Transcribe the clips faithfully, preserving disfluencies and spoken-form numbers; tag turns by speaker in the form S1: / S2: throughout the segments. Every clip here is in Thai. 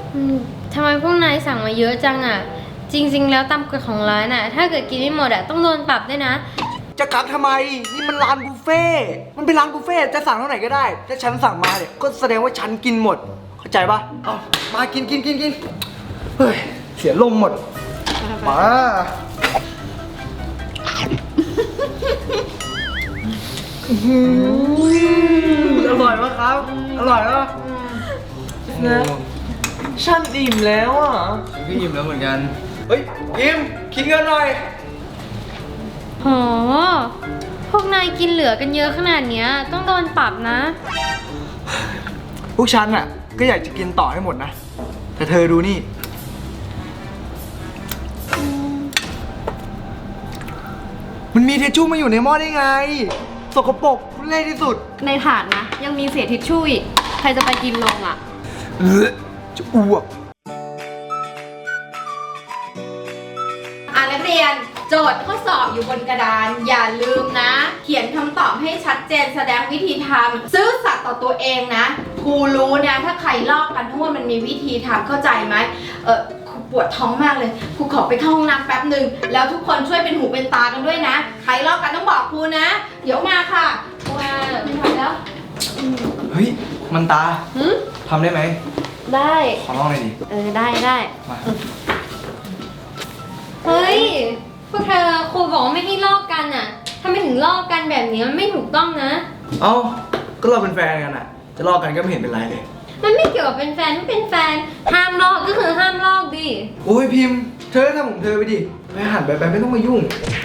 S1: อืมทำไมพวกนายสั่งมาเยอะจังอ่ะจริงๆแล้วตามกฎของร้านอ่ะถ้าเกิดกินไม่หมดอ่ะต้องโดนปรับด้วยนะ
S2: จะกักทำไมนี่มันร้านบุฟเฟ่มันเป็นร้านบุฟเฟ่จะสั่งเท่าไหร่ก็ได้ถ้าฉันสั่งมาเนี่ยก็แสดงว่าฉันกินหมดเข้าใจปะเอามากินกินกินกินเฮ้ยเสียลมหมดมาอร่อยปะครับอร่อยปะ
S3: นะฉันอิ่มแล้วอ่ะ
S2: ฉันก็อิ่มแล้วเหมือนกันเฮ้ยพิมคิดเงินหน่อย
S1: โหพวกนายกินเหลือกันเยอะขนาดเนี้ยต้องโดนปรับนะ
S2: พวกฉันอ่ะก็อยากจะกินต่อให้หมดนะแต่เธอดูนี่มันมีเทชชู่มาอยู่ในหม้อได้ไงสกปรกทุเรศที่สุด
S4: ในถาดนะยังมีเศษทิชชู่อีกใครจะไปกินลงอ่ะ
S2: เออจะอ้วก
S4: อ่านนักเรียนโจทย์ข้อสอบอยู่บนกระดานอย่าลืมนะเขียนคำตอบให้ชัดเจนแสดงวิธีทำซื่อสัตย์ต่อตัวเองนะครูรู้นะถ้าใครลอกกันทั้งหมดมันมีวิธีทำเข้าใจไหมเออครูปวดท้องมากเลยครูขอไปเข้าห้องน้ำแป๊บหนึ่งแล้วทุกคนช่วยเป็นหูเป็นตากันด้วยนะใครลอกกันต้องบอกครูนะเดี๋ยวมาค่ะว่าไม่ไหวแล้ว
S2: เฮ้ยมันตาทำได้ไหม
S4: ได้
S2: ขอลองหน่อยดิ
S4: เออได้ได้
S2: มา
S1: เฮ้ยพวกเธอครูบอกว่าไม่ให้ลอกกันอ่ะทำไมถึงลอกกันแบบนี้มันไม่ถูกต้องนะ
S2: เอ้าก็เราเป็นแฟนกันอ่ะจะลอกกันก็ไม่เห็นเป็นไรเลย
S1: มันไม่เกี่ยวกับเป็นแฟนไม่เป็นแฟนห้ามลอกก็คือห้ามลอกดิ
S2: โอ้ยพิมพ์เธอทำของเธอไปดิไปหันไปไปไม่ต้องมายุ่ง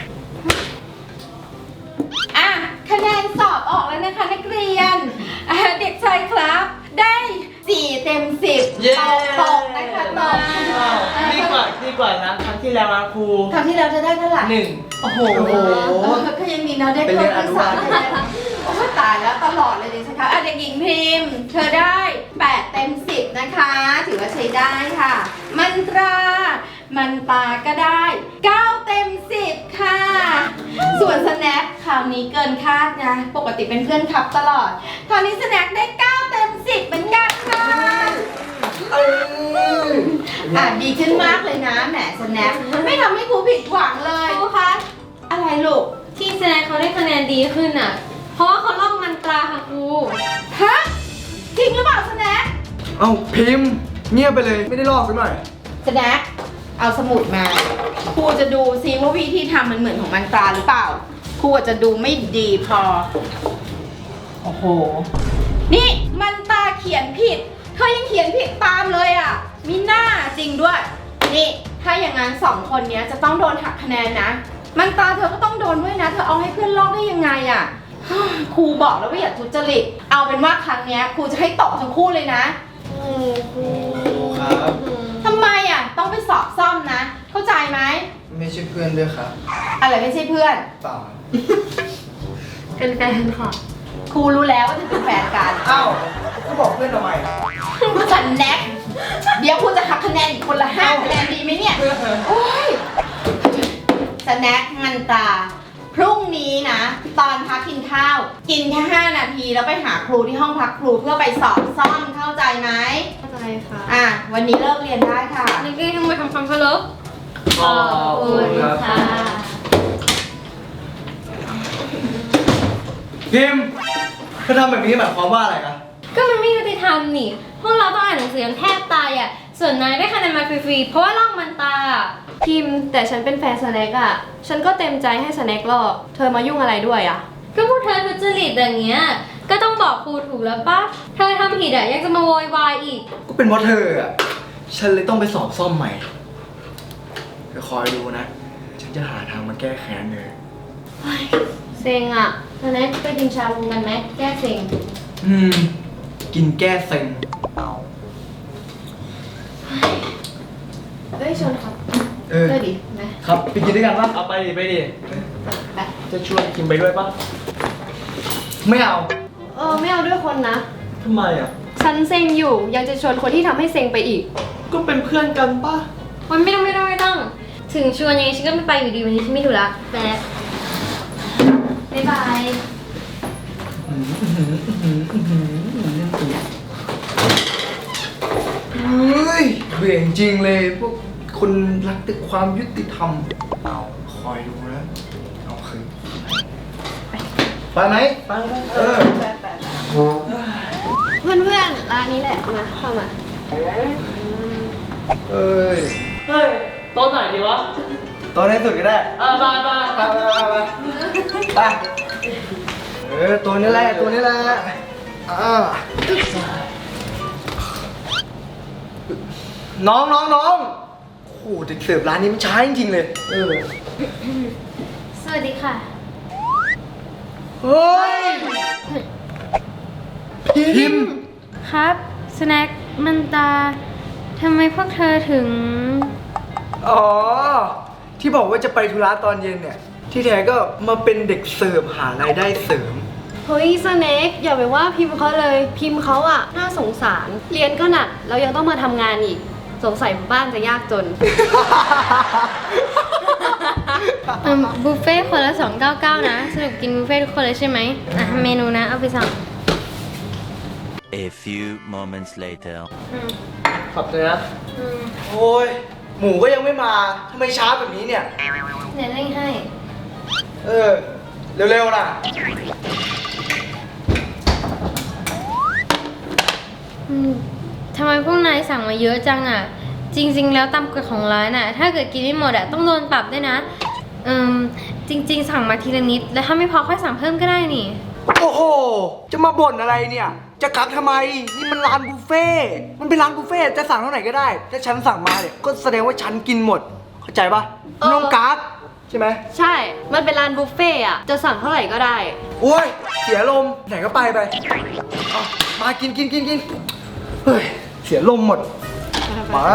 S4: อ่ะคะแนนสอบออกแล้วนะคะนักเรียนเด็กชายครับได้สี่เต็มสิบตกตกนะคะตก
S3: ดีกว่าดีกว่านะครั้งที่แล้วนะครู
S4: ครั้งที่แล้วจะได้เท่าไหร่
S3: หนึ่งโอ้โห
S4: ก็ยังมีนะได้เพิ่มเป็นสามโอ้ตายแล้วตลอดเลยดิฉันคะเด็กหญิงพิมพ์เธอได้แปดเต็มสิบนะคะถือว่าใช้ได้ค่ะมันตรามันตาก็ได้เก้าเต็มสิบค่ะส่วนสแน็คคราวนี้เกินคาดนะปกติเป็นเพื่อนคับตลอดคราวนี้สแน็คได้เก้าเต็มสิบเหมือนกันค่ะอ่ะดีขึ้นมากเลยนะแหมสแน็คไม่ทำให้ครูผิดหวังเลย
S1: ครูคะ
S4: อะไรลูก
S1: ที่แสดงเขาได้คะแนนดีขึ้นอ่ะเพราะว่าเขาลอกมันตราค่ะครู
S4: ฮะจริงหรือเปล่าสแน็ค
S2: เอ้าพิมพ์เงียบไปเลยไม่ได้ลอกสักหน่อย
S4: สแน็คเอาสมุดมาครูจะดูซิว่าวิธีทำมันเหมือนของมันตราหรือเปล่าครูจะดูไม่ดีพอโอ้โหนี่มันตาเขียนผิดเธอยังเขียนผิดตามเลยอ่ะมีหน้าจริงด้วยนี่ถ้าอย่างนั้นสองคนนี้จะต้องโดนหักคะแนนนะมันตาเธอก็ต้องโดนด้วยนะเธอเอาให้เพื่อนลอกได้ยังไงอ่ะครูบอกแล้วว่าอย่าทุจริตเอาเป็นว่าครั้งนี้ครูจะให้ตกทั้งคู่เลยนะ
S2: ครับ
S4: ทำไมอ่ะต้องไปสอบซ่อมนะเข้าใจไหม
S2: ไม่ใช่เพื่อนด้วยครับ
S4: อะไรไม่ใช่เพื่อน
S2: เปล่า
S1: เป็นแฟนค่ะ
S4: ครูรู้แล้วว่าจะเป็นแฟนกัน
S2: อ้าวก็บอกเพื่อนทำไม
S4: สันแน็กเดี๋ยวครูจะหักคะแนนอีกคนละห้าคะแนนดีไหมเนี่ยโอ้ยสแน็คมันตาพรุ่งนี้นะตอนพักกินข้าวกินแค่ห้านาทีแล้วไปหาครูที่ห้องพักครูเพื่อไปสอบซ่อมเข้าใจไหม
S1: เข้าใจค่ะ
S4: อ่ะวันนี้เลิกเรียนได้ค่ะ
S1: นักเรียนทำไมทำความเคารพ
S3: ขอบคุณค่ะ
S2: พิมพ์เธอทำแบบนี้หมายความว่าอะไรนะ
S1: ก็มันไม่ยุติธรรมนี่พวกเราต้องอ่านหนังสือกันแทบตายอ่ะส่วนนายได้คะแนนมาฟรีๆเพราะว่าลอกมันตา
S4: พิมพ์แต่ฉันเป็นแฟนสแน็คอ่ะฉันก็เต็มใจให้สแน็คลอกเธอมายุ่งอะไรด้วยอ่ะ
S1: ก็พวกเธอทุจริตอย่างเงี้ยก็ต้องบอกครูถูกแล้วปะเธอทำผิดอ่ะยังจะมาโวยวายอีก
S2: ก็เป็นเพราะเธออ่ะฉันเลยต้องไปสอบซ่อมใหม่เธอคอยดูนะฉันจะหาทางมาแก้แค้นเลย
S1: เซ็งอ่ะสแน็คไปกินชาบูกันไหมแก้เซ็ง
S2: อืมกินแก้เซ็ง
S4: เฮ้ยชนครับ
S2: เออ
S4: ได้ดิ
S2: นะครับไปกินด้วยกันปะ
S3: เอาไปดิไปดิ
S4: ไป
S3: จะชวนคิมไปด้วยปะ
S2: ไม่เอา
S4: เออไม่เอาด้วยคนนะ
S3: ทำไมอ่ะ
S4: ฉันเซ็งอยู่ยังจะชวนคนที่ทำให้เซ็งไปอีก
S3: ก็เป็นเพื่อนกันปะ
S1: มันไม่ต้องไม่ต้องไม่ต้องถึงชวนยังไงฉันก็ไม่ไปอยู่ดีวันนี้ฉันไม่ถูกละแป๊บบ๊ายบาย
S2: เฮ้ยเบื่อจริงๆเลยพวกคนรักแต่ความยุติธรรมเอาคอยดูนะเอาคืนไปไหมไปเออ
S1: เพื่อนๆร้านนี้แหละมาเข้ามา
S2: เอ้ย
S3: เฮ้ยโต๊ะไหนดีวะ
S2: ตอนในสุดก็ได้
S3: เออมามา
S2: ไปไปไปไปไปเออตัวนี้แหละตัวนี้แหละอ่าน้องน้องน้องโอ้โหเด็กเสิร์ฟร้านนี้มันช้าจริงๆเลยเออ
S1: สวัสดีค่ะ
S2: เฮ้ยพิมพ์
S1: ครับสแน็คมันตาทำไมพวกเธอถึง
S2: อ๋อที่บอกว่าจะไปธุระตอนเย็นเนี่ยที่แท้ก็มาเป็นเด็กเสิร์ฟหารายได้เสริม
S5: เฮ้ยสเน็กอย่าไปว่าพิมพ์เขาเลยพิมพ์เขาอะน่าสงสารเรียนก็หนักแล้วยังต้องมาทำงานอีกสงสัยบ้านจะยากจน
S1: เอิ่มบุฟเฟ่ต์คนละสองเก้าเก้านะสรุปกินบุฟเฟ่ต์ทุกคนเลยใช่ไหมอ่ะเมนูนะเอาไปสั่ง
S6: A few moments later.
S3: ขอบใจนะ
S2: โอ้ยหมูก็ยังไม่มาทำไมช้าแบบนี้เนี่ย
S1: เดี๋ยวเร่งให้
S2: เออ เร็วๆนะ
S1: อืมทำไมพวกนายสั่งมาเยอะจังอ่ะ จริง ๆ แล้วตามกฎของร้านอ่ะ ถ้าเกิดกินไม่หมดอ่ะต้องโดนปรับด้วยนะเอืมจริง ๆ สั่งมาทีละนิด แล้วถ้าไม่พอค่อยสั่งเพิ่มก็ได้นี่
S2: โอ้โห จะมาบ่นอะไรเนี่ย จะกักทำไม นี่มันร้านบุฟเฟ่ต์มันเป็นร้านบุฟเฟ่ต์จะสั่งเท่าไหร่ก็ได้ ถ้าฉันสั่งมาเนี่ย ก็แสดงว่าฉันกินหมด เข้าใจปะไม่ต้องกักใช่ไหม
S5: ใช่มันเป็นร้านบุฟเฟ่อะจะสั่งเท่าไหร่ก็ได้
S2: โอ้ย เสียลม ไหนก็ไปไปเอามากินกินกินกินเฮ้ย เสียลมหมด มา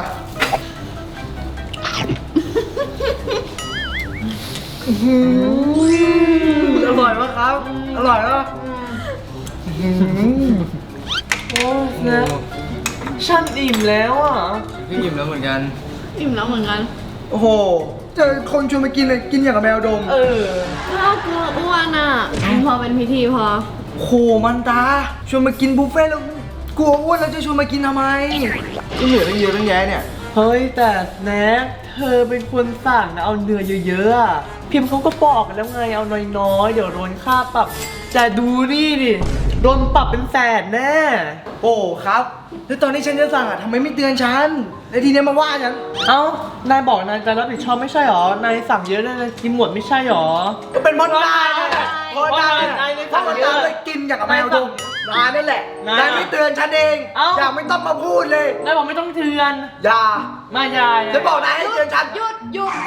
S2: อื้อหืออร่อยปะครับ อร่อยปะอื้อหือ
S3: โอ้ยนะฉันอิ่มแล้วอ่ะ
S2: พี่อิ่มแล้วเหมือนกัน
S5: อิ่มแล้วเหมือนกัน
S2: โอ้โห เจอคนชวนมากินเลย กินอย่างกับแมวดม
S3: เออ
S5: เรากลัวอ้วนอะพอเป็นพิธีพอ
S2: โหมันตา ชวนมากินบุฟเฟ่ต์แล้วกลัวอ้วนแล้วจะชวนมากินทำไมก็เหลือตั้งเยอะตั้งแยะเนี่ย
S3: เฮ้ยแต่แน็กเธอเป็นคนสั่งนะเอาเนื้อเยอะๆอะพิมพ์เขาก็บอกกันแล้วไงเอาน้อยๆเดี๋ยวโดนค่าปรับแต่ดูนี่ดิโดนปรับเป็นแสนแน่
S2: โอ้ครับ แล้วตอนนี้ฉันจะสั่งอ่ะทำไมไม่เตือนฉัน แล้วทีเนี้ยมาว่าฉัน
S3: เอ้านายบอกนายจะรับผิดชอบไม่ใช่หรอนายสั่งเยอะนายกินหมดไม่ใช่หรอ
S2: ก็เป็นมดนายนั่นแหละมดนาย
S3: นายไม่
S2: เพ
S3: สั่
S2: ราะ
S3: ง
S2: มัน
S3: เยอะ
S2: ตาเลยกินอย่างกับแมวดมนายนั่นแหละ
S3: นาย
S2: นายไม่เตือนฉันเอง
S3: เอ้า
S2: อย่าไม่ต้องมาพูดเลย
S3: นายบอกไม่ต้องเทือน
S2: อย่า
S3: มายาย
S2: จะบอกนายให้เตือนฉัน
S5: หยุดหยุด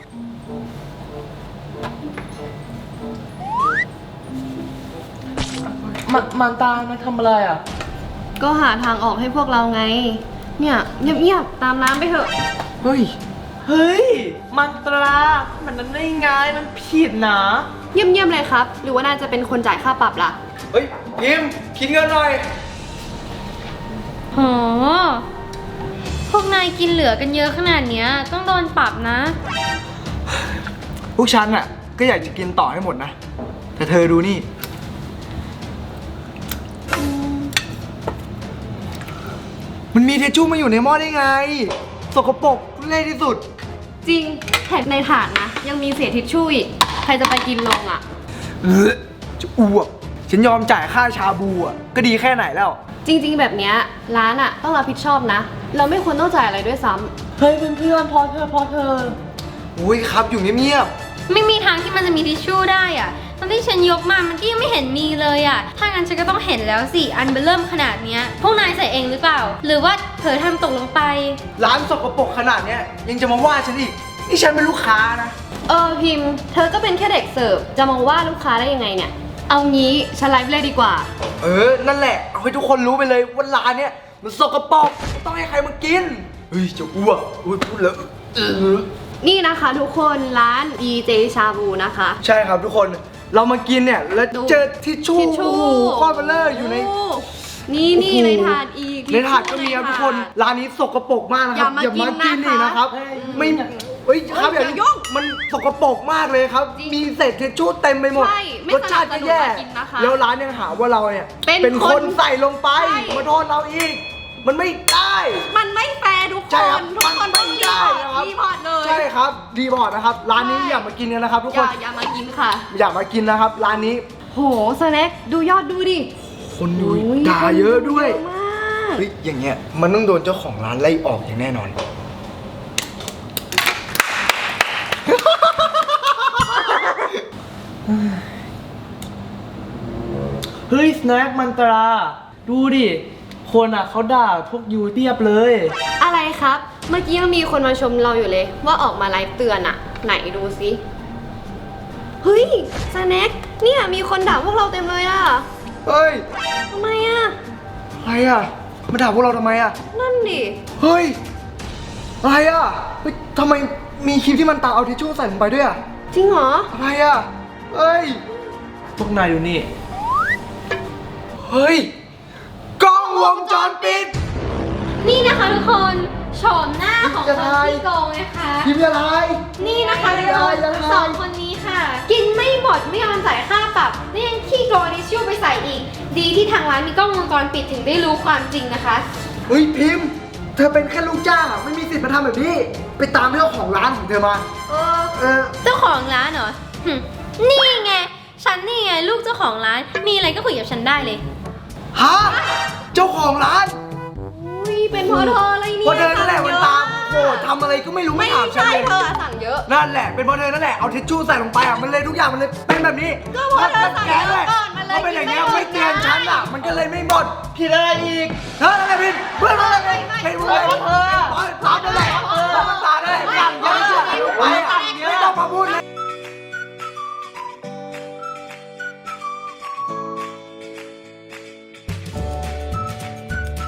S3: มันมันตามันทำอะไรอ่ะ
S5: ก็หาทางออกให้พวกเราไง เนี่ยเงียบๆตามน้ำไปเถอะ
S2: เฮ้ย
S3: เฮ้ย มันตรามันนั้นได้ไงมันผิดนะ
S5: เงียบๆเลยครับ หรือว่านายจะเป็นคนจ่ายค่าปรับล่ะ
S2: เฮ้ยพิมพ์คิดเงินหน่อย
S1: โห พวกนายกินเหลือกันเยอะขนาดเนี้ยต้องโดนปรับนะ
S2: พวกฉันอ่ะ ก็อยากจะกินต่อให้หมดนะ แต่เธอดูนี่ มันมีเทชชู่มาอยู่ในหม้อได้ไง สกปรกทุเล่ที่สุด
S5: จริงแถมในถาดนะ ยังมีเศษทิชชู่อีก ใครจะไปกินลงอ่ะ
S2: เออจะอ้วก ฉันยอมจ่ายค่าชาบูอ่ะ ก็ดีแค่ไหนแล้ว
S5: จริง ๆ แบบเนี้ยร้านอ่ะต้องรับผิดชอบนะ เราไม่ควรต้องจ่ายอะไรด้วยซ้ำ
S3: เฮ้ยเพื่อนๆพอเธอพอเธอ
S2: อุ้ยครับอยู่เงียบ
S1: ไม่มีทางที่มันจะมีทิชชู่ได้อ่ะตอนที่ฉันยกมามันก็ยังไม่เห็นมีเลยอ่ะ ถ้างั้นฉันก็ต้องเห็นแล้วสิ อันเบลเริ่มขนาดเนี้ย พวกนายใส่เองหรือเปล่า หรือว่าเผลอทำตกลงไป
S2: ๆร้านสกปรกขนาดเนี้ยยังจะมาว่าฉันอีก นี่ฉันเป็นลูกค้านะ
S5: เออพิมพ์ เธอก็เป็นแค่เด็กเสิร์ฟ จะมาว่าลูกค้าได้ยังไงเนี่ย เอางี้ฉันไลฟ์เลยดีกว่า
S2: เออ นั่นแหละ เอาให้ทุกคนรู้ไปเลยว่าร้านเนี้ยมันสกปรกไม่ต้องให้ใครมากิน เฮ้ยจะอ้วกอุ้ยพูดแล้วเออ
S5: นี่นะคะทุกคนร้าน ดี เจ ชาบูนะคะ
S2: ใช่ครับทุกคน เรามากินเนี่ย แล้ว
S5: ดู
S2: เจอทิชชู่
S5: ทิชชู่
S2: โอ้โหก้อนเบลเลอร์อยู่ใน
S5: โนี่นี่
S2: โอ้โห
S5: ในถาดอีก
S2: ในถาดก็มีครับทุกคน ร้านนี้สกปรกมากนะครับ
S5: อย่ามากิน
S2: อีก
S5: นะคะ
S2: นะครับ ไม่เฮ้ยครับ
S5: เฮ้ย
S2: อย่า
S5: อย่ายุ่ง
S2: มันสกปรกมากเลยครับ
S5: จริง
S2: มีเศษทิชชู่เต็มไปหมด
S5: ใช่ไม่
S2: รสชาติก็แย่
S5: สนับสนุนมากินนะคะ
S2: แล้วร้านยังหาว่าเราเนี่ย
S5: เป็น
S2: คน
S5: คน
S2: ใส่ลงไป
S5: ใช่
S2: มาโทษเราอีกมันไม่ได้
S4: มันไม่แฟร์ทุกค
S2: ใช่ครับ
S4: น ทุกคน
S2: มัน
S4: ต้อง
S2: ไม่
S4: รี
S2: ได้
S4: พอร์ต
S2: นะครับ
S4: รีพอร์ตเลย
S2: ใช่ครับรีพอร์ตนะครับร้านนี้
S4: ใช่
S2: อย่ามากินกันนะครับทุก
S5: อ
S2: ค
S5: ย่าน อย่ามากินค่ะ
S2: อย่ามากินนะครับร้านนี้
S5: โหสแน็คดูยอดดูดิ
S2: คนดู
S5: โอ้ย
S2: ด่าเยอะด้วย
S5: เยอะมาก
S2: เฮ้ยอย่างเงี้ยมันต้องโดนเจ้าของร้านไล่ออกอย่างแน่นอน
S3: เฮ้ยสแน็คมันตรา ดูดิ คนอ่ะเขาด่าพวกยูเทียบเลย
S5: อะไรครับ เมื่อกี้ยังมีคนมาชมเราอยู่เลย ว่าออกมาไลฟ์เตือนอะไหนดูสิเฮ้ยสแน็คเนี่ยมีคนด่าพวกเราเต็มเลยอะ
S2: เฮ้ย
S5: ทำไมอะ
S2: อะไรอ่ะมาด่าพวกเราทำไมอ่ะ
S5: นั่นดิ
S2: เฮ้ยอะไรอ่ะเฮ้ยทำไมมีคลิปที่มันตาเอาทิชชู่ใส่ลงไปด้วยอ่ะ
S5: จริงเหรอ
S2: อะไรอ่ะเฮ้ย
S3: พวกนายดูนี่
S2: เฮ้ยกล้องวงจรปิด
S1: นี่นะคะทุกคนโฉมหน้าของคนที่โกงนะคะ
S2: พิมพ์อะไร
S1: นี่นะคะทุกคน
S2: ยังไง
S1: สองคนนี้ค่ะ กินไม่หมดไม่ยอมจ่ายค่าปรับนี่ยังขี้โกงดิชชู่ไปใส่อีก ดีที่ทางร้านมีกล้องวงจรปิดถึงได้รู้ความจริงนะคะ
S2: เฮ้ยพิมพ์ เธอเป็นแค่ลูกจ้างอ่ะไม่มีสิทธิ์มาทำแบบนี้ ไปตามเจ้าของร้านของเธอมา
S1: เออ
S2: เออ
S1: เจ้าของร้านเหรอหึนี่ไง ฉันนี่ไงลูกเจ้าของร้าน มีอะไรก็คุยกับฉันได้เลย
S2: ฮะ เจ้าของร้าน
S5: อุ้ยเป็นเพราะเธออะไรเนี่ย
S2: เพราะเธอนั่นแหละมันตามโอ้ทำอะไรก็ไม่รู้ไม่
S5: ไม่
S2: ถามฉัน
S5: ใช่
S2: เลย
S5: เธออะสั่งเยอะ
S2: นั่นแหละเป็นเพราะเธอนั่นแหละเอาทิชชู่ใส่ลงไปอ่ะมันเลยทุกอย่างมันเลยเป็นแบบนี้
S5: ก็เพราะเธอสั่ง
S2: แก
S5: เยอะ
S2: ด้วย
S5: ก่อนมันเลย
S2: เขาเป็นอย่างเงี้ย
S5: กินไม่หมด
S2: ไม่เตือนฉันอ่ะ มันก็เลยไม่หมดผิดอะไรอีกเธออะไร